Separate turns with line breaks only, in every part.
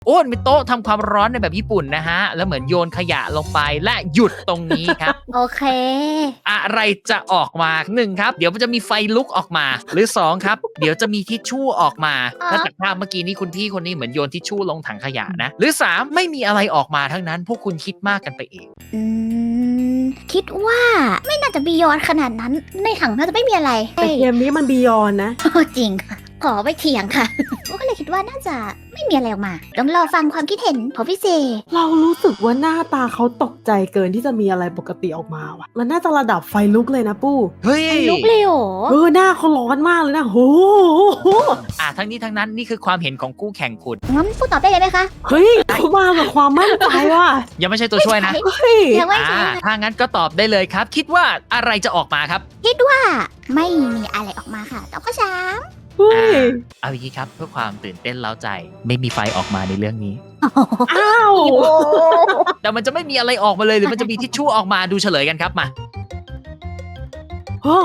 โอ้มีโต๊ะทำความร้อนในแบบญี่ปุ่นนะฮะแล้วเหมือนโยนขยะลงไปและหยุดตรงนี้ครับ
โอเค
อะไรจะออกมา1ครับเดี๋ยวมันจะมีไฟลุกออกมาหรือ2ครับเดี๋ยวจะมีทิชชู่ออกมาถ้าจากภาพเมื่อกี้นี้คุณพี่คนนี้เหมือนโยนทิชชู่ลงถังขยะนะหรือ3ไม่มีอะไรออกมาทั้งนั้นพวกคุณคิดมากกันไปเอง
อืมคิดว่าไม่น่าจะบียอนขนาดนั้นในถังน่าจะไม่มีอะไร
แต่เกมนี้มันบียอนนะ
โอ้จริงค่ะ ขอไปเถียงค่ะ ก็เลยคิดว่าน่าจะไม่มีอะไรออกมาต้องรอฟังความคิดเห็นของพี่เซ
เรารู้สึกว่าหน้าตาเขาตกใจเกินที่จะมีอะไรปกติออกมาว่ะมันน่าจะระดับไฟลุกเลยนะปู้
เฮ้ย
ลุกเลยเหรอ
หน้าเขาร้อนมากเลยนะโห
ทั้งนี้ทั้งนั้นนี่คือความเห็นของคู่แข่งคุณ
งั้นพูดตอบได้เลยไหมคะ
เฮ้ยเขามากับความมั่นใจว่ะ
ยังไม่ใช่ตัวช่วยนะ
ไม่
เฮ้ย
ยังไม่ใช่ค่ะ
ถ้างั้นก็ตอบได้เลยครับ คิดว่าอะไรจะออกมาครับ
คิดว่าไม่มีอะไรออกมาค่ะตอบข้อสาม
เฮ้ย
เอาอย่างนี้ครับเพื่อความตื่นเต้นเล้าใจ ไม่มีไฟออกมาในเรื่องนี้
อ้าว
แต่มันจะไม่มีอะไรออกมาเลยหรือมันจะมีทิชชู่ออกมาดูเฉลยกันครับมา
โอ้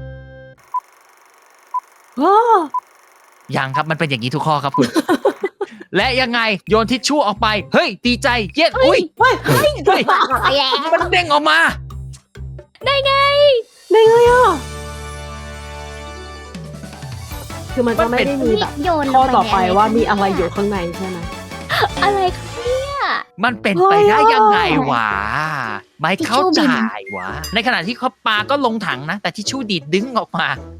โอ้
ยังครับมันเป็นอย่างนี้ทุกข้อครับคุณ และยังไงโยนทิชชู่ออกไปเฮ้ยดีใจเย็ดอุ้ย
เฮ้ย
เฮ้ย
ไปแล้ว
มันเด้งออกมา
ได้ไงอ่ะคือมันจะไม่ได้มีแบบ
โยนล
ข้อง ต่อไป
ใน
ว่ามีอะไรอยู่ข้างในใช่ไหม
อะไรคะเนี่ย
มันเป็นไปได้ยังไงวะไม่เข้าใจวะในขณะที่เขาปาก็ลงถังนะ แต่ทิชชู่ดีดดึงออกมา